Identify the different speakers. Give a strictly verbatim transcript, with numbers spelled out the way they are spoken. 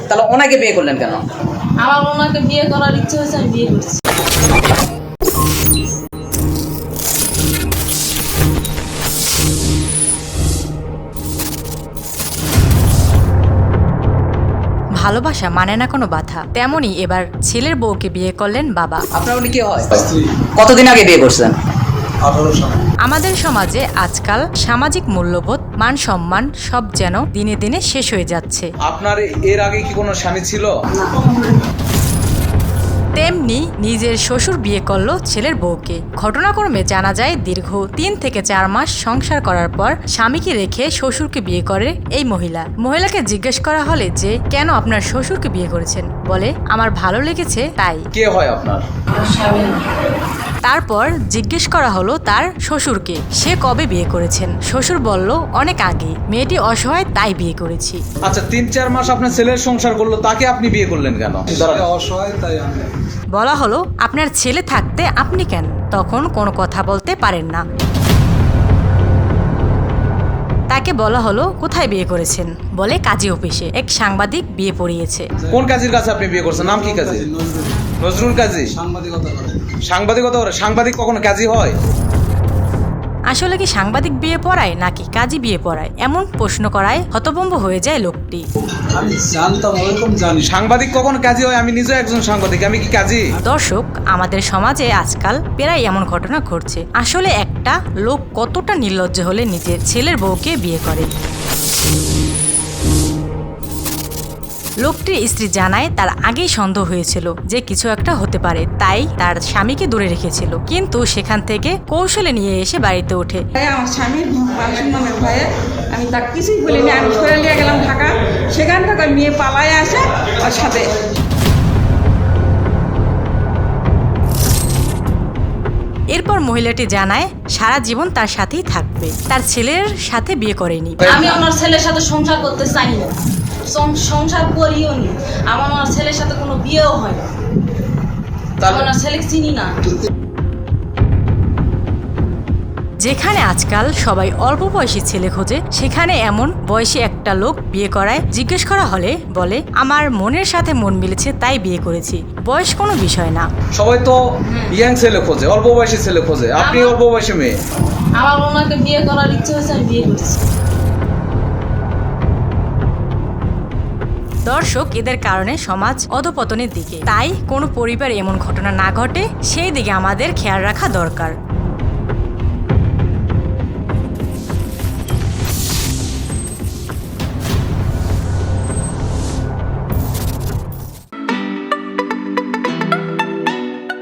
Speaker 1: তাহলে ওনাকে বিয়ে করলেন কেন?
Speaker 2: আমার ওনাকে বিয়ে করার ইচ্ছে হয়েছে, আমি বিয়ে করছি।
Speaker 3: ভালোবাসা মানে না কোনো বাধা, তেমনই এবার ছেলের বউকে বিয়ে করলেন বাবা।
Speaker 1: আপনার উনি কি হয়? কতদিন আগে বিয়ে করছেন?
Speaker 3: আমাদের সমাজে আজকাল সামাজিক মূল্যবোধ, মান সম্মান সব যেন দিনে দিনে শেষ হয়ে যাচ্ছে।
Speaker 4: আপনার এর আগে কি কোনো স্বামী ছিল?
Speaker 3: তেমনি নিজের শ্বশুর বিয়ে করলো ছেলের বউকে। ঘটনাক্রমে জানা যায় দীর্ঘ তিন থেকে চার মাস সংসার করার পর স্বামীকে রেখে শ্বশুরকে বিয়ে করে এই মহিলা। মহিলাকে জিজ্ঞেস করা হলে যে কেন আপনার শ্বশুরকে বিয়ে করেছেন, বলে আমার ভালো লেগেছে তাই।
Speaker 4: কে হয় আপনার?
Speaker 3: তারপর জিজ্ঞেস করা হলো তার শ্বশুরকে সে কবে বিয়ে করেছেন। শ্বশুর বলল অনেক আগে, মেয়েটি অসহায় তাই বিয়ে করেছি।
Speaker 4: আচ্ছা, তিন চার মাস আপনার ছেলের সংসার করলো, তাকে আপনি বিয়ে করলেন কেন?
Speaker 5: অসহায় তাই আমি।
Speaker 3: বলা হলো আপনার ছেলে থাকতে আপনি কেন? তখন কোনো কথা বলতে পারেন না। তাকে বলা হলো কোথায় বিয়ে করেছেন, বলে কাজী অফিসে। এক সাংবাদিক বিয়ে পড়িয়েছে।
Speaker 4: কোন কাজীর কাছে আপনি বিয়ে করছেন? নাম কি কাজী? নজরুল কাজী।
Speaker 5: সাংবাদিকতা করে।
Speaker 4: সাংবাদিকতা করে? সাংবাদিক কখনো কাজী হয়?
Speaker 3: আসলে কি সাংবাদিক বিয়ে পড়ায় নাকি কাজী বিয়ে পড়ায়, এমন প্রশ্ন করায় হতভম্ব হয়ে যায় লোকটি।
Speaker 5: আমি জানতাম, ওরকম জানি।
Speaker 4: সাংবাদিক কখনো কাজী হয়? আমি নিজে একজন সাংবাদিক, আমি কি কাজী?
Speaker 3: দর্শক, আমাদের সমাজে আজকাল প্রায় এমন ঘটনা ঘটছে। আসলে একটা লোক কতটা নির্লজ্জ হলে নিজের ছেলের বউকে বিয়ে করে। লোকটির স্ত্রী জানায় তার আগেই সন্দেহ হয়েছিল যে কিছু একটা হতে পারে, তাই তার স্বামীকে দূরে রেখেছিল। কিন্তু সেখান থেকে কৌশলে নিয়ে এসে বাড়িতে ওঠে।
Speaker 6: আমার স্বামীর বাসন নামের ভয়ে আমি তাকে কিছুই বলিনি। আমি সরে নিয়ে গেলাম ঢাকা, সেখান থেকে মেয়ে পালায় আসে ওর সাথে।
Speaker 3: এরপর মহিলাটি জানায় সারা জীবন তার সাথেই থাকবে, তার ছেলের সাথে বিয়ে করেনি।
Speaker 2: আমি আমার ছেলের সাথে সংসার করতে চাই না, সং- সংসার করিও নি। আমার আমার ছেলের সাথে কোনো বিয়েও হয় না। আমি আমার ছেলেকে চিনি না।
Speaker 3: যেখানে আজকাল সবাই অল্প বয়সী ছেলে খোঁজে, সেখানে এমন বয়সী একটা লোক বিয়ে করায়। জিজ্ঞেস করা হলে বলে আমার মনের সাথে মন মিলেছে তাই বিয়ে করেছি, বয়স কোনো বিষয় না।
Speaker 4: সবাই তো ইয়াং ছেলে খোঁজে, অল্প বয়সী ছেলে খোঁজে, আপনি অল্প বয়সী মেয়ে।
Speaker 2: আমার ওনাকে বিয়ে করার ইচ্ছে হয়েছে, আমি বিয়ে করছি।
Speaker 3: দর্শক, এদের কারণে সমাজ অধপতনের দিকে। তাই কোনো পরিবার এমন ঘটনা না ঘটে সেই দিকে আমাদের খেয়াল রাখা দরকার।